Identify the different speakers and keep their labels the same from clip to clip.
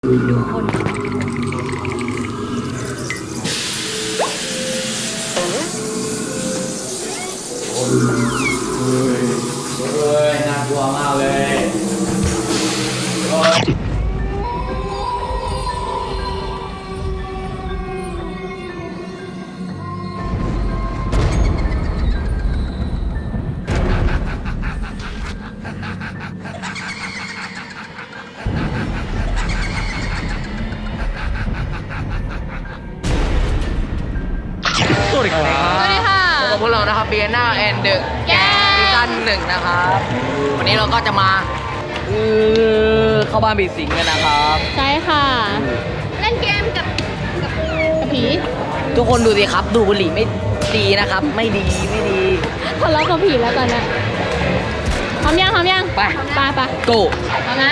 Speaker 1: ดูคน
Speaker 2: น่ากลัวมากเลยสวัสดีครับ
Speaker 1: สวัสดีค่ะ
Speaker 2: พบกับพวกเรานะครับเบียน่าแอนด์เดอะแกซีซั่น1นะครับ วันนี้เราก็จะมาเข้าบ้านบีสิงกันนะครับ
Speaker 1: ใช่ค่ะเล่นเกมกับผี
Speaker 2: ทุกคนดูสิครับ ดูบุหรี่ไม่ดีนะครับ ไม่ดีไม่ดี
Speaker 1: ทะเลาะกับผีแล้วตอนนี้พร้อมยัง
Speaker 2: ไป
Speaker 1: ไป
Speaker 2: โก
Speaker 1: พร้อมนะ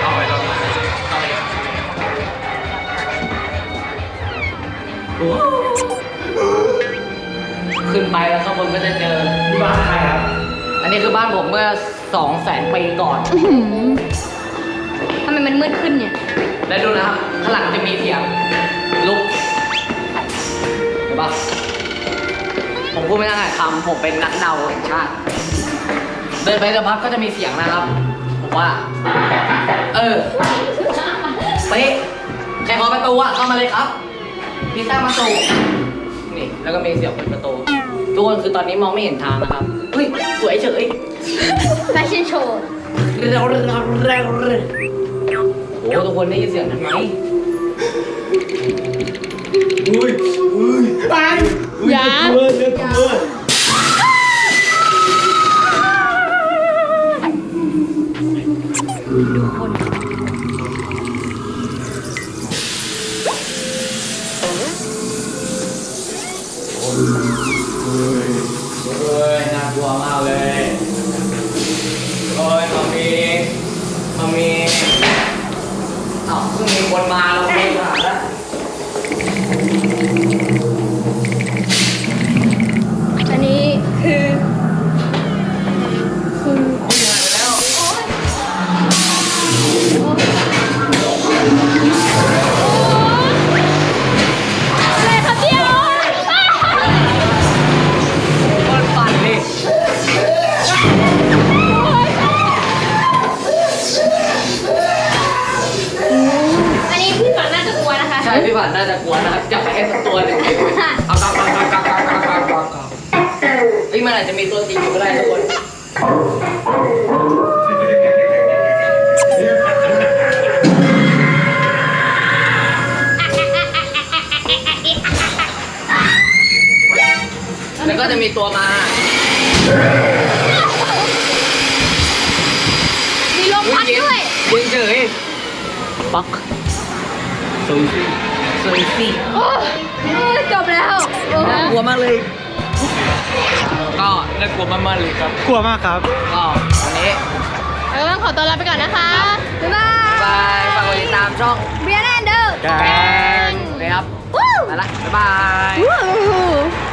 Speaker 2: ขึ้นไปแล้วข้างบนก็จะเจอที่บ้านใครครับ อันนี้คือบ้านผมเมื่อ 200,000 ปีก่อน
Speaker 1: ทำไมมันมืดขึ้นเนี่ย
Speaker 2: แล้วดูนะครับข้างหลังจะมีเสียงลุกเห็นปะผมพูดไม่ได้คำผมเป็นนักเดาแห่งชาติเดินไปสักพักก็จะมีเสียงนะครับผมว่า เป๊ะใครขอประตูอะเข้ามาเลยครับพิซซ่าประตูนี่แล้วก็มีเสียงเปิดประตูทุกคนคือตอนนี้มองไม่เห็นทางนะครับเฮ้ยสวยเฉย
Speaker 1: แฟชั่นโชว์
Speaker 2: โอ้ทุกคนได้ยินเสียงนั้นไหม
Speaker 1: อย่าดูคน
Speaker 2: น่ากลัวมากเลยโอ้ยมามีเอ้าเพิ่งมีคนมาเราไม่ผ่านแล้ว
Speaker 1: อันนี้คือ
Speaker 2: ไม่ผ่านแล้ว
Speaker 1: อะไรครับเดียว
Speaker 2: คนปั่นดิ
Speaker 1: อันนี้พี่ฝันน่าจะกลัวนะคะ
Speaker 2: ใช่พี่ผ่านน่าจะกลัวนะครับจับไปให้สักตัวหนึ่งเอากลับเฮ้ยมันอาจจะมีตัวจริงอยู่ก็ได้ทุกคนแล้วก็จะมีตัวมา
Speaker 1: มีลมพัดด้วย
Speaker 2: เย็นเฉยปักสวยสิ
Speaker 1: โอ้จบแล้วโอ้
Speaker 2: น่ากลัวมากเลย ก็น่ากลัวมากๆเลยครับ
Speaker 3: กลัวมากครับ
Speaker 2: ก็วันนี้
Speaker 1: เราต้องขอตัวลาไปก่อนนะคะ บ๊ายบาย
Speaker 2: บายฝากกดติดตามช่อง
Speaker 1: เบียร์แอนเดอร์
Speaker 2: แกงเลยครับ
Speaker 1: วู้
Speaker 2: ไปละบ๊ายบาย
Speaker 1: วู้